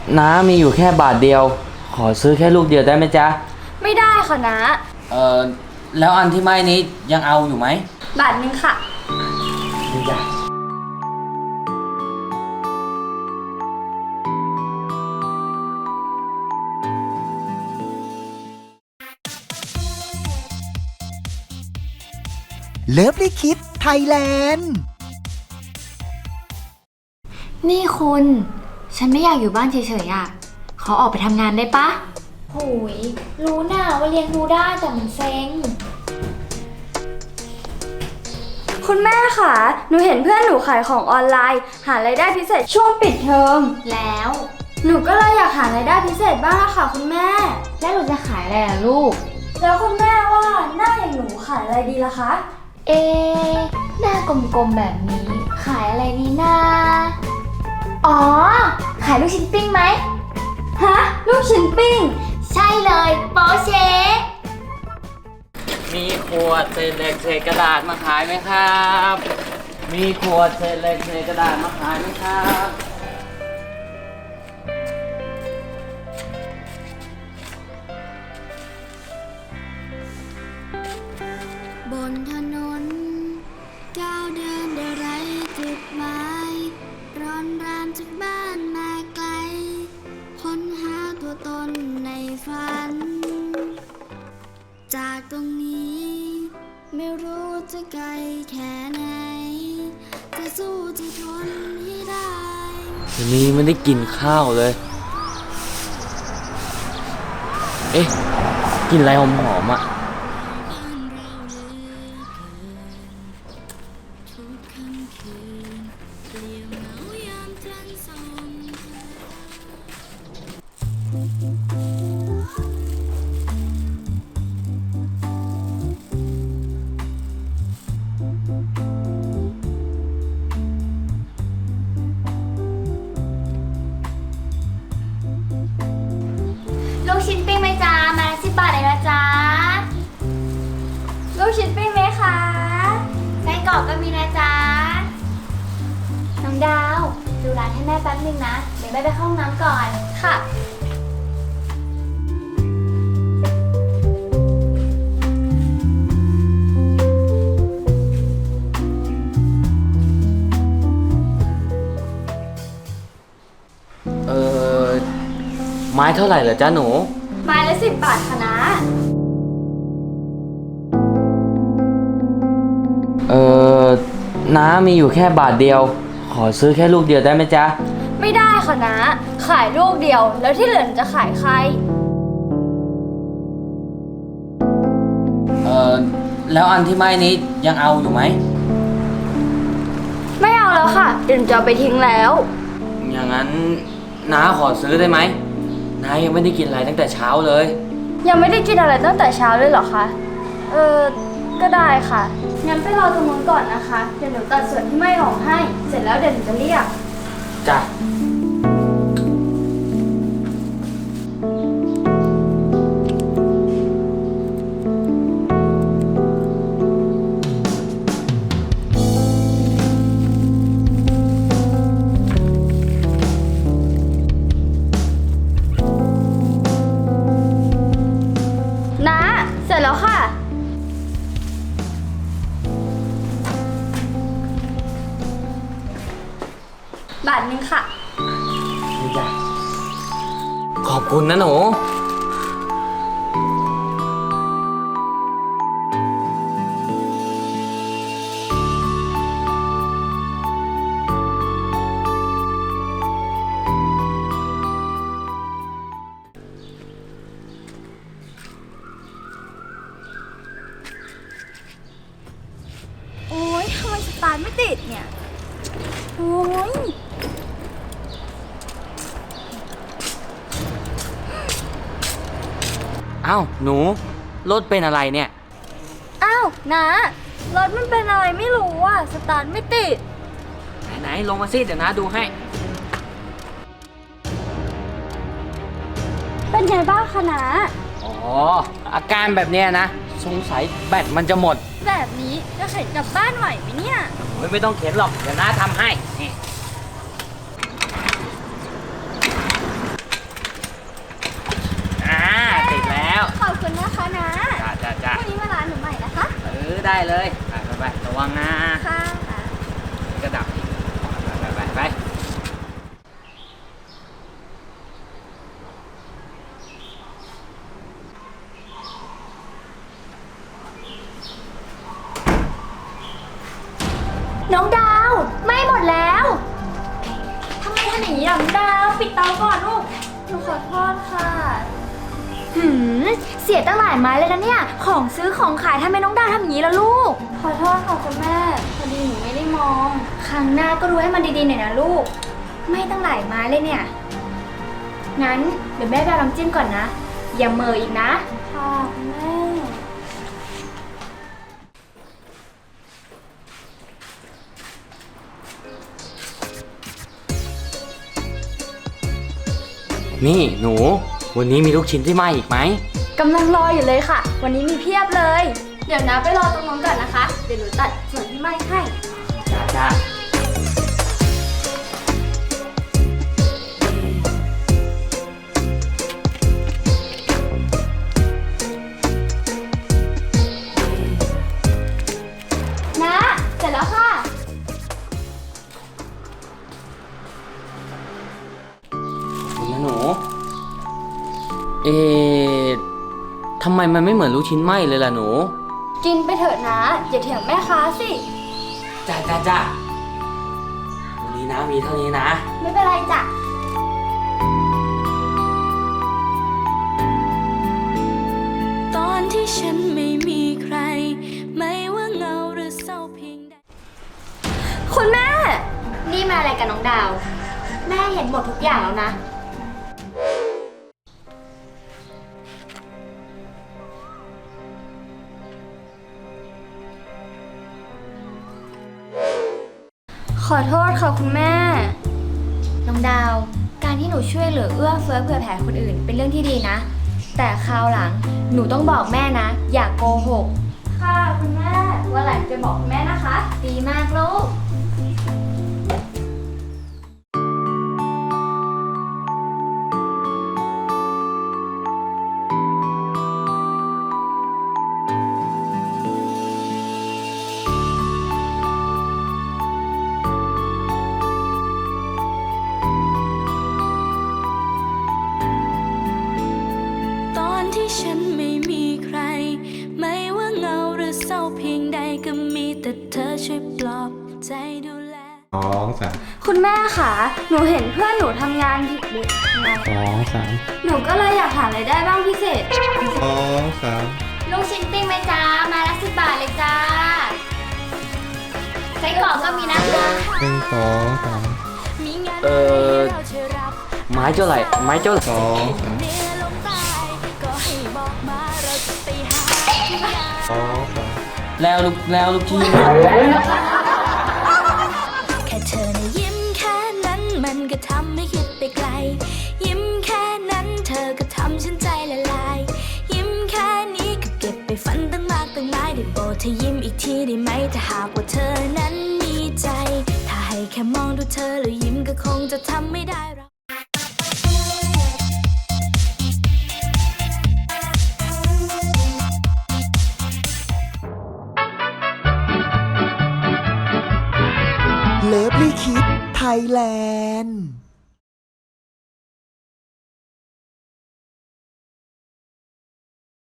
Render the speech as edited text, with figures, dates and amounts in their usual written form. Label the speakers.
Speaker 1: น้ามีอยู่แค่บาทเดียวขอซื้อแค่ลูกเดียวได้ไหมจ๊ะ
Speaker 2: ไม่ได้ค่ะนะ
Speaker 1: เออแล้วอันที่ไม่นี้ยังเอาอยู่ไหม
Speaker 2: บาทนึงค่ะ
Speaker 1: ดีจ้ะ
Speaker 3: เลิฟลิคิดไทยแลนด์
Speaker 2: นี่คุณฉันไม่อยากอยู่บ้านเฉยๆอ่ะขอออกไปทำงานได้ปะ
Speaker 4: หูยรู้น่ะว่าเลี้ยงดูได้แต่มันเซ็ง
Speaker 2: คุณแม่ค่ะหนูเห็นเพื่อนหนูขายของออนไลน์หารายได้พิเศษช่วงปิดเทอม
Speaker 4: แล้ว
Speaker 2: หนูก็เลยอยากหารายได้พิเศษบ้างค่ะคุณแม่
Speaker 4: แล้วหนูจะขายอะไรล่ะลูก
Speaker 2: แล้วคุณแม่ว่าหน้าอย่างหนูขายอะไรดีล่ะคะ
Speaker 4: หน้ากลมๆแบบนี้ขายอะไรดีนะอ๋อขายลูกชิ้นปิ้งไหม
Speaker 2: ฮะลูกชิ้นปิ้ง
Speaker 4: ใช่เลยโปเช
Speaker 1: มีขวดเศษเหล็กเศษกระดาษมาขายไหมครับมีขวดเศษเหล็กเศษกระดาษมาขายไหมครับ
Speaker 5: บนถนนก้าวเดินเดไรจุดหมายร้อนรามจากบ้านมาไกลค้นหาตัวตนในฝันจากตรงนี้ไม่รู้จะไกลแค่ไหนจะสู้จะทนให้ได้
Speaker 1: วันนี้ไม่ได้กินข้าวเลยเอ๊ะกินอะไรหอมๆอ่ะ
Speaker 4: ลูกชิ้นปิ้งไหมจ๊ะมาละ10 บาทเลยนะจ๊ะ
Speaker 2: ลูกชิ้นปิ้งไหมคะ
Speaker 4: ไส้กรอกก็มีนะจ๊ะน้องดาวดูร้านให้แม่แป๊บนึงนะเดี๋ยวแม่ไปเข้าห้องน้ำก่อน
Speaker 2: ค่ะ
Speaker 1: ไม้เท่าไหร่เหรอจ๊ะหนู
Speaker 2: ไม้ละ10 บาทค่ะนะ
Speaker 1: น้ามีอยู่แค่บาทเดียวขอซื้อแค่ลูกเดียวได้ไหมจ๊ะ
Speaker 2: ไม่ได้ค่ะนะขายลูกเดียวแล้วที่เหลือจะขายใคร
Speaker 1: แล้วอันที่ไม่นี้ยังเอาอยู่ไหม
Speaker 2: ไม่เอาแล้วค่ะเดี๋ยวจะเอาไปทิ้งแล้ว
Speaker 1: อย่างนั้นน้าขอซื้อได้ไหมน้ายังไม่ได้กินอะไรตั้งแต่เช้าเลย
Speaker 2: ยังไม่ได้กินอะไรตั้งแต่เช้าเลยเหรอคะก็ได้ค่ะงั้นไปรอตรงนู้นก่อนนะคะเดี๋ยวหนูตัดส่วนที่ไม่ออกให้เสร็จแล้วเดี๋ยวหนูจะเรียก
Speaker 1: จ้ะ
Speaker 2: นะเสร็จแล้วค่ะบาทนึงค่ะ
Speaker 1: นี่จ้ะขอบคุณนะหนู
Speaker 2: โอ๊ยทำไมสตาร์ทไม่ติดเนี่ยโอ๊ย
Speaker 1: อ้าวหนูรถเป็นอะไรเนี่ย
Speaker 2: อ้าวนะรถมันเป็นอะไรไม่รู้อ่ะสตาร์ทไม่ติด
Speaker 1: ไหนลงมาสิเดี๋ยวนะดูให้
Speaker 2: เป็นไงบ้างคะนะ
Speaker 1: อ๋ออาการแบบเนี้ยนะสงสัยแบตมันจะหมด
Speaker 2: แบบนี้จะเข็นกลับบ้านไหวไหมเนี่ย
Speaker 1: ไม่ต้องเข็นหรอกเดี๋ยวน้าทำให้นี่ได้เลยไประวังนะ
Speaker 2: ค่ะ
Speaker 1: กระดับอีกไป
Speaker 4: น้องดาวไหม่หมดแล้ว
Speaker 2: ทำไมทำอย่างนี้ล่ะน้องดาว ปิดเตาก่อนลูก หนูขอโทษค่ะ
Speaker 4: เสียตั้งหลายไม้เลยนะเนี่ย ของซื้อของขายทำไมน้องดาวทำอย่างนี้ล่ะลูก
Speaker 2: ขอโทษค่ะคุณแม่ พอดีหนูไม่ได้มอง
Speaker 4: ครั้งหน้าก็ดูให้มันดีๆหน่อยนะลูก ไม่ตั้งหลายไม้เลยเนี่ย งั้นเดี๋ยวแม่ไปเอาน้ำจิ้มก่อนนะ อย่าเหม่ออีกนะ
Speaker 2: ค่ะคุณแม่
Speaker 1: นี่หนู วันนี้มีลูกชิ้นที่ไหม้อีกไหม
Speaker 2: กำลังรออยู่เลยค่ะ วันนี้มีเพียบเลย เดี๋ยวนะไปรอตรงนู้นก่อนนะคะ เดี๋ยวหนูตัดส่วนที่ไหม้ให้
Speaker 1: จ้า
Speaker 2: นะ เสร็จแล้วค่ะ
Speaker 1: นี่นะหนู ทำไมมันไม่เหมือนลูกชิ้นไหม้เลยล่ะหนู
Speaker 2: กินไปเถอะนะ อย่าเถียงแม่ค้าสิ
Speaker 1: จ้าวันนี้นะมีเท่านี้นะ
Speaker 2: ไม่เป็นไรจ้ะ
Speaker 5: ตอนที่ฉันไม่มีใคร ไม่ว่าเงาหรือเศร้าเพียงใด
Speaker 2: คุณแม่
Speaker 4: นี่มาอะไรกับน้องดาว แม่เห็นหมดทุกอย่างแล้วนะ
Speaker 2: ขอโทษค่ะคุณแม่
Speaker 4: น้องดาว การที่หนูช่วยเหลือเอื้อเฟื้อเผื่อแผ่คนอื่นเป็นเรื่องที่ดีนะ แต่คราวหลังหนูต้องบอกแม่นะ อย่ากโกหก
Speaker 2: ค่ะคุณแม่ วันหลังจะบอกคุณแม่นะคะ
Speaker 4: ดีมากลูก
Speaker 5: ตอนที่ฉันไม่มีใคร ไม่ว่าเงาหรือเศร้าเพียงใดก็มีแต่เธอช่วยปลอบใจดูแล
Speaker 3: 2
Speaker 2: คุณแม่ค่ะ หนูเห็นเพื่อนหนูทำงานผิดหรือไง
Speaker 3: 3 2
Speaker 2: หนูก็เลยอยากหารายได้บ้างพิเศษ
Speaker 3: 3 3
Speaker 4: ลูกชิ้นปิ้งไหมจ้า มาละ10 บาทเลยจ้าไส้กรอกก็มีนะคะ
Speaker 3: 1 2 3
Speaker 5: มีงาน
Speaker 1: เอ่อ
Speaker 5: เราช่วยรับ
Speaker 1: ไม้เจ้าไหร่ไม้เจ้าไหร่
Speaker 3: 2 3
Speaker 5: เนื้อลงใตายก็ให้บอกมาเราจะไปหาที่งาน
Speaker 3: 2 3
Speaker 1: แล้วลูกชิ้น
Speaker 5: แค่เธอนะยิ้มแค่นั้นมันก็ทำให้คิดไปไกล ยิ้มแค่นั้นเธอก็ทำฉันใจละลาย ยิ้มแค่นี้ก็เก็บไปฝันตั้งมากตั้งหลายได้โปรดเธอยิ้มอีกทีได้ไหมถ้าหากว่าเธอนั้นมีใจ ถ้าให้แค่มองดูเธอแล้วยิ้มก็คงจะทำไม่ได้หรอก
Speaker 3: เลิฟลี่คิดไทยแลนด์